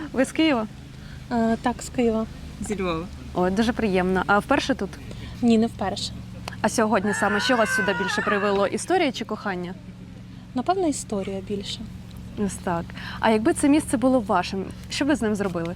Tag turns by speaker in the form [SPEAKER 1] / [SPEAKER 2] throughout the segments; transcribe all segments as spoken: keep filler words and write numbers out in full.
[SPEAKER 1] Ви з Києва?
[SPEAKER 2] Е, так, з Києва.
[SPEAKER 3] Зі Львова.
[SPEAKER 1] Ой, дуже приємно. А вперше тут?
[SPEAKER 2] Ні, не вперше.
[SPEAKER 1] А сьогодні саме що вас сюди більше привело? Історія чи кохання?
[SPEAKER 2] Напевно, історія більше.
[SPEAKER 1] Ось так. А якби це місце було вашим, що ви з ним зробили?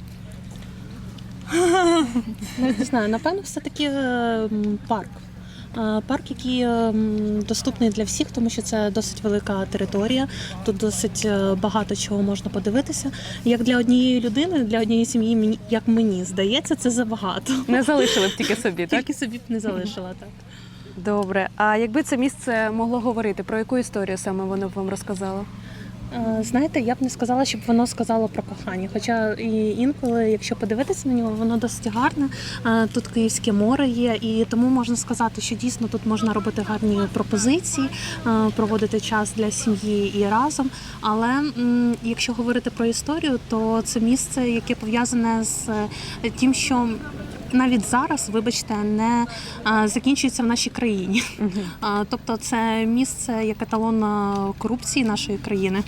[SPEAKER 2] Навіть не знаю, напевно, все-таки е, м, парк. Е, Парк, який е, м, доступний для всіх, тому що це досить велика територія. Тут досить е, багато чого можна подивитися. Як для однієї людини, для однієї сім'ї, мені- як мені здається, це забагато.
[SPEAKER 1] Не залишили б тільки собі, так?
[SPEAKER 2] Тільки собі б не залишила, так.
[SPEAKER 1] Добре. А якби це місце могло говорити, про яку історію саме воно б вам розказало?
[SPEAKER 2] Е, Знаєте, я б не сказала, щоб воно сказало про кохання. Хоча і інколи, якщо подивитися на нього, воно досить гарне. Е, Тут Київське море є, і тому можна сказати, що дійсно тут можна робити гарні пропозиції, е, проводити час для сім'ї і разом. Але м, якщо говорити про історію, то це місце, яке пов'язане з е, тим, що навіть зараз, вибачте, не е, закінчується в нашій країні. Е, Тобто це місце як еталон е, корупції нашої країни.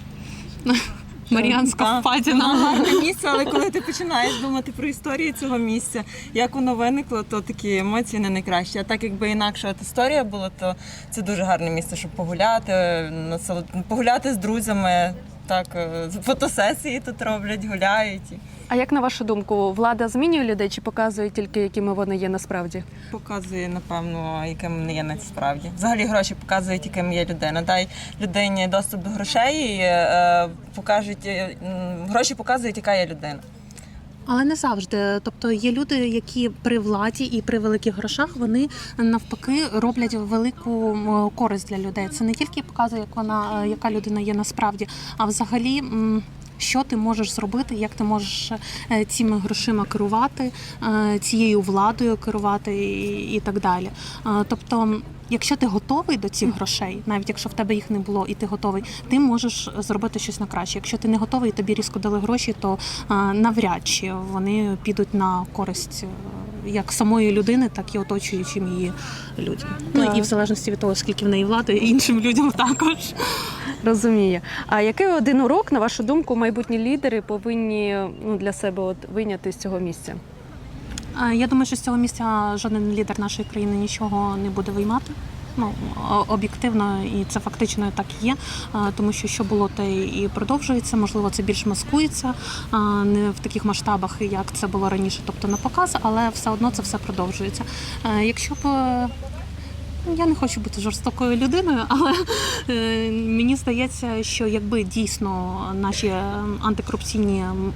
[SPEAKER 2] Маріанська
[SPEAKER 3] Так,
[SPEAKER 2] впадіна.
[SPEAKER 3] воно гарне місце, але коли ти починаєш думати про історію цього місця, як воно виникло, то такі емоції не найкращі. А так якби інакше от історія була, то це дуже гарне місце, щоб погуляти, насолод- погуляти з друзями. Так, е, фотосесії тут роблять, гуляють. І
[SPEAKER 1] А як на вашу думку, влада змінює людей чи показує тільки, якими вони є насправді?
[SPEAKER 3] показує, напевно, яким не є насправді. Взагалі гроші показують, яким є людина. Дай людині доступ до грошей, і, е, покажуть, е, м, гроші показують, яка є людина.
[SPEAKER 2] Але не завжди. Тобто є люди, які при владі і при великих грошах вони навпаки роблять велику м, користь для людей. Це не тільки показує, як вона, е, яка людина є насправді, а взагалі. м, Що ти можеш зробити, як ти можеш е, цими грошима керувати, е, цією владою керувати і, і так далі. Е, Тобто, якщо ти готовий до цих грошей, навіть якщо в тебе їх не було і ти готовий, ти можеш зробити щось на краще. Якщо ти не готовий і тобі різко дали гроші, то е, навряд чи вони підуть на користь е, як самої людини, так і оточуючим її людям. Ну
[SPEAKER 1] Так.
[SPEAKER 2] і в залежності від того, скільки в неї влади, і іншим людям також.
[SPEAKER 1] Розумію. А який один урок, на вашу думку, майбутні лідери повинні ну, для себе от, вийняти з цього місця?
[SPEAKER 2] Е, Я думаю, що з цього місця жоден лідер нашої країни нічого не буде виймати. Ну, о- об'єктивно, і це фактично так і є, е, тому що що було, те і продовжується. Можливо, це більш маскується, е, не в таких масштабах, як це було раніше, тобто на показ, але все одно це все продовжується. Е, Якщо б е, я не хочу бути жорстокою людиною, але е, мені здається, що якби дійсно наші е, антикорупційні